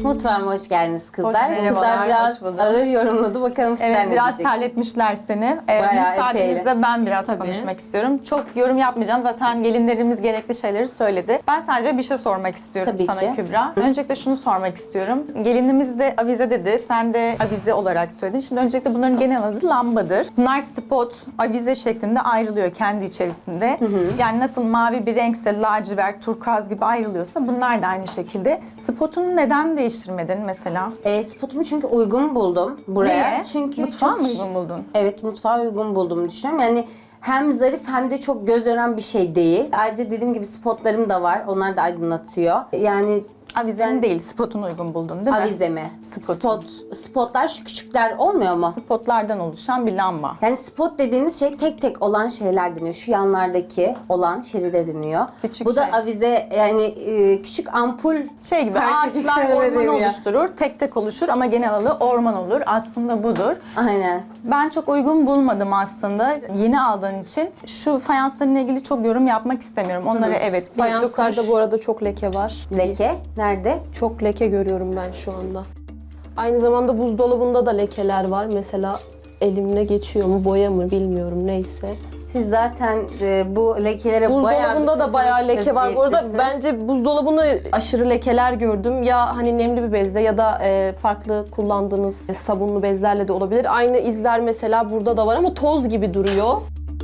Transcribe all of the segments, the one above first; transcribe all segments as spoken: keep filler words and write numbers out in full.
Mutfağıma hoş geldiniz kızlar. Hoş- kızlar merhabalar, biraz hoş bulduk. ağır yorumladı. Bakalım sizler Evet, ne biraz diyeceksiniz? terletmişler seni. Ee, Bayağı müsaadenizle ben biraz Tabii. konuşmak istiyorum. Çok yorum yapmayacağım. Zaten gelinlerimiz gerekli şeyleri söyledi. Ben sadece bir şey sormak istiyorum Tabii sana ki. Kübra. Öncelikle şunu sormak istiyorum. Gelinimiz de avize dedi. Sen de avize olarak söyledin. Şimdi öncelikle bunların genel adı lambadır. Bunlar spot, avize şeklinde ayrılıyor kendi içerisinde. Yani nasıl mavi bir renkse lacivert, turkuaz gibi ayrılıyorsa bunlar da aynı şekilde. Spotunu neden değiştirmedin mesela? E, spotumu çünkü uygun buldum buraya. Niye? Çünkü Mutfağa çok- mı uygun buldun? Evet, mutfağa uygun buldum düşünüyorum. Yani hem zarif hem de çok göz ören bir şey değil. Ayrıca dediğim gibi spotlarım da var. Onlar da aydınlatıyor. Yani Avizenin değil, spotunu uygun buldun değil mi? avize mi? Spot. Spot, spotlar şu küçükler olmuyor mu? Spotlardan oluşan bir lamba. Yani spot dediğiniz şey tek tek olan şeyler deniyor. Şu yanlardaki olan şeride deniyor. Küçük Bu da şey. avize, yani e, küçük ampul Şey gibi parçacıkları ağaçlar orman veriyor. oluşturur, tek tek oluşur ama genel adı orman olur. Aslında budur. Aynen. Ben çok uygun bulmadım aslında yeni aldığın için. Şu fayanslarla ilgili çok yorum yapmak istemiyorum. Onları evet bir Fayanslarda dokunuş- bu arada çok leke var. Leke nerede? Çok leke görüyorum ben şu anda. Aynı zamanda buzdolabında da lekeler var. Mesela elimle geçiyor mu, boya mı bilmiyorum, neyse. Siz zaten e, bu lekelere bayağı Buzdolabında da bayağı leke var. Bu arada vaziyettesiniz. bence buzdolabını aşırı lekeler gördüm. Ya hani nemli bir bezle ya da e, farklı kullandığınız e, sabunlu bezlerle de olabilir. Aynı izler mesela burada da var ama toz gibi duruyor.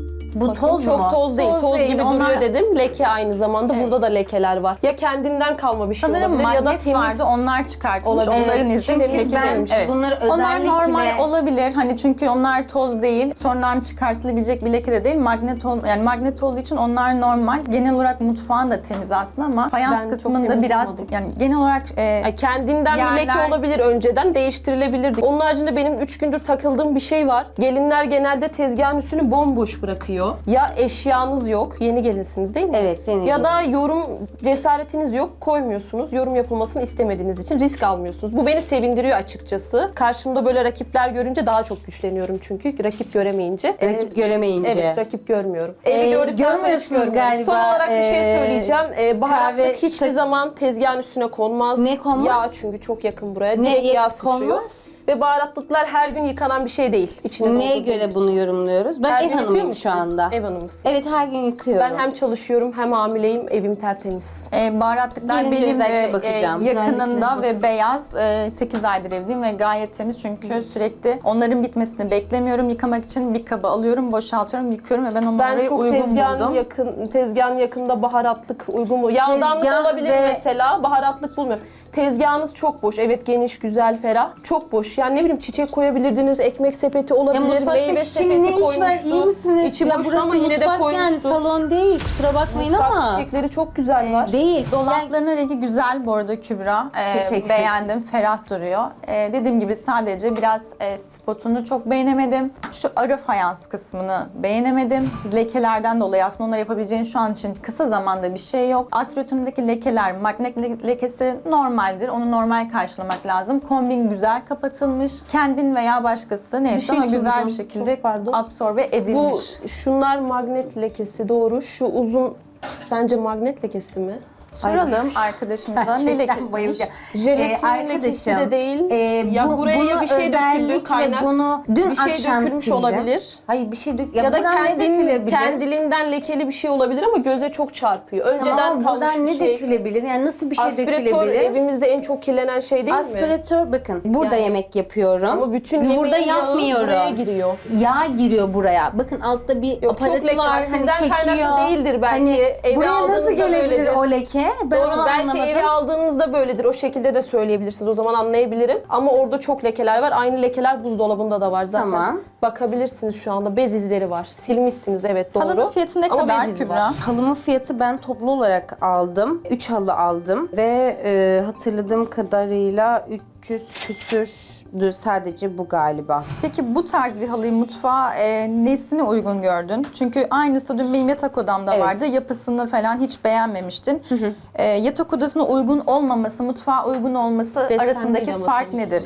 Bu Bakın, toz çok mu? toz değil, Toz toz, değil, gibi onlar- duruyor dedim. Leke aynı zamanda Evet. burada da lekeler var. Ya kendinden kalma bir şey Sanırım olabilir ya da magnet temiz. vardı, onlar çıkartılmış. Olabilir. Onların Evet, izi çünkü leke ben değilmiş. bunları Onlar özellikle- normal olabilir. Hani çünkü onlar toz değil. Sonradan çıkartılabilecek bir leke de değil. Magnet ol, yani magnet olduğu için onlar normal. Genel olarak mutfağın da temiz aslında ama fayans Ben çok kısmında temiz biraz bulmadım. yani genel olarak e, Yani kendinden bir leke Yerler- olabilir önceden, değiştirilebilirdi. Onun haricinde benim üç gündür takıldığım bir şey var. Gelinler genelde tezgahın üstünü bomboş bırakıyor. Ya eşyanız yok, yeni gelinsiniz değil mi? Evet, yeni Ya da yorum cesaretiniz yok, koymuyorsunuz. Yorum yapılmasını istemediğiniz için risk almıyorsunuz. Bu beni sevindiriyor açıkçası. Karşımda böyle rakipler görünce daha çok güçleniyorum çünkü. Rakip göremeyince. Rakip göremeyince. Evet, rakip görmüyorum. Ee, Evi gördükten sonra hiç görmüyorsunuz görmüyorum. galiba, Son olarak bir şey ee, söyleyeceğim. Ee, baharatlık kahve- hiçbir tak- zaman tezgahın üstüne konmaz. Ne konmaz? Yağ çünkü çok yakın buraya. Ne Direkt ya- yağ sıçrıyor. konmaz? Ve baharatlıklar her gün yıkanan bir şey değil. İçine Neye doldurduğumuz göre için. bunu yorumluyoruz? Ben Her ev gün yıkıyor hanımıyım musun? şu anda. Ev hanımısın. Evet, her gün yıkıyorum. Ben hem çalışıyorum hem hamileyim. Evim tertemiz. E, baharatlıklar Gelince benim özellikle e, bakacağım. yakınında Özellikle ve beyaz. E, sekiz aydır evliyim ve gayet temiz çünkü sürekli onların bitmesini beklemiyorum. Yıkamak için bir kaba alıyorum, boşaltıyorum, yıkıyorum ve ben onu Ben oraya çok uygun tezgahın buldum. yakın, tezgahın yakında baharatlık uygun mu? Yağdanlık Tezgah olabilir ve- mesela, baharatlık bulmuyorum. Tezgahınız çok boş. Evet, geniş, güzel, ferah. Çok boş. Yani ne bileyim, çiçek koyabilirdiniz, ekmek sepeti Ya olabilir, mutfakta meyve çiçeğin sepeti ne iş var? koymuştu. İyi misiniz? İçi ya boştu burası ama yine de mutfak koymuştu. yani, salon değil. Kusura bakmayın Mutfak ama. çiçekleri çok güzel var. Değil. Yani Dolaplarının rengi güzel bu arada Kübra. Ee, Teşekkür beğendim, ferah duruyor. Ee, dediğim gibi sadece biraz e, spotunu çok beğenemedim. Şu ara fayans kısmını beğenemedim. Lekelerden dolayı aslında onları yapabileceğin şu an için kısa zamanda bir şey yok. Aspiratöründeki lekeler, magnet le- lekesi normaldir. Onu normal karşılamak lazım. Kombin güzel kapatılmış. Kendin veya başkası neyse şey ama güzel bir soracağım. şekilde Çok pardon. absorbe Bu edilmiş. şunlar magnet lekesi, doğru. Şu uzun sence magnet lekesi mi? Soralım Ay, arkadaşımıza ne gerçekten lekesiymiş? bayılacağım. Jelatin lekesi de değil. e, Ya bu, buraya bunu bir şey döküldü, özellikle kaynak, bunu dün bir şey akşam dökülmüş sildim. olabilir. Hayır, bir şey dök. Ya, Ya, da buradan ne kendin, dökülebilir? kendiliğinden lekeli bir şey olabilir ama göze çok çarpıyor. Önceden Tamam, kalmış buradan bir ne şey. dökülebilir? Yani nasıl bir şey Aspiratör dökülebilir? evimizde en çok kirlenen şey değil mi? Aspiratör, bakın burada Yani. yemek yapıyorum. Ama bütün Burada yemeğin yağı yapmıyorum. buraya giriyor. Yağ giriyor buraya. Bakın altta bir Yok, çok aparatı leke var. var. Hani Sizden çekiyor. kaynaklı değildir belki. Hani Eve buraya nasıl aldığınızda gelebilir böyledir. o leke? Ben Doğru, onu belki anlamadım. eve aldığınızda böyledir. O şekilde de söyleyebilirsiniz. O zaman anlayabilirim. Ama orada çok lekeler var. Aynı lekeler buzdolabında da var zaten. Tamam. Bakabilirsiniz şu anda. Bez izleri var. Silmişsiniz, evet, doğru. Halının fiyatı ne Ama kadar bez izi Kübra? var. Halımın fiyatı ben toplu olarak aldım. üç halı aldım ve e, hatırladığım kadarıyla üç yüz küsürdü sadece bu galiba. Peki bu tarz bir halıyı mutfağa e, nesine uygun gördün? Çünkü aynısı dün benim yatak odamda Evet. vardı. Yapısını falan hiç beğenmemiştin. E, yatak odasına uygun olmaması, mutfağa uygun olması Desen arasındaki değil ama fark senin nedir?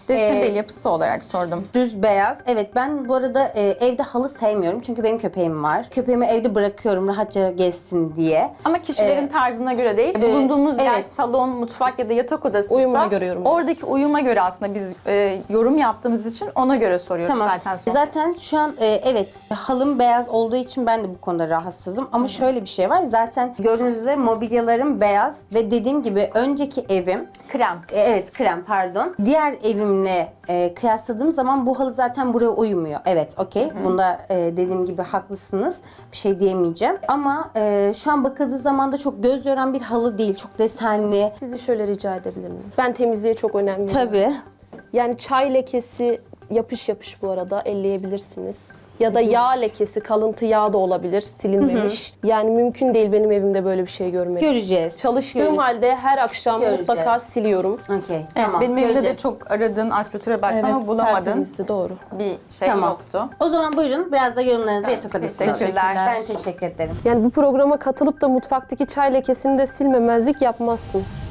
Desen Ee, değil, yapısı olarak sordum. Düz beyaz. Evet, ben bu arada e, evde halı sevmiyorum. Çünkü benim köpeğim var. Köpeğimi evde bırakıyorum rahatça gezsin diye. Ama kişilerin Ee, tarzına göre değil. Bulunduğumuz yer evet. salon, mutfak ya da yatak odasıysa Uyumuna göre yorumluyoruz. oradaki uyuma göre aslında biz e, yorum yaptığımız için ona göre soruyoruz Tamam. zaten. Son. Zaten şu an e, evet halım beyaz olduğu için ben de bu konuda rahatsızım. Ama şöyle bir şey var. Zaten gördüğünüz üzere mobilyalarım beyaz ve dediğim gibi önceki evim Krem. e, evet krem pardon. Diğer evimle e, kıyasladığım zaman bu halı zaten buraya uymuyor. Evet okey. Bunda e, dediğim gibi haklısınız. Bir şey diyemeyeceğim. Ama e, şu an bakıldığı zaman da çok göz yoran bir halı değil. Çok desenli. Sizi şöyle rica edebilir miyim? Ben temizliğe çok önem veriyorum. Tabii. Yani çay lekesi yapış yapış bu arada elleyebilirsiniz. Ya da yağ lekesi, kalıntı yağ da olabilir, silinmemiş. Yani mümkün değil benim evimde böyle bir şey görmek. Göreceğiz. Çalıştığım Göreceğiz. halde her akşam Göreceğiz. mutlaka siliyorum. Okey. Evet, Tamam. benim evimde de göreceğiz. çok aradığın aspiratörü baktım ama bulamadın. tertemizdi, doğru. Bir şey Tamam. yoktu. O zaman buyurun biraz da yorumlarınızı yatak odasına alın. Teşekkürler. Ben teşekkür ederim. Yani bu programa katılıp da mutfaktaki çay lekesini de silmemezlik yapmazsın.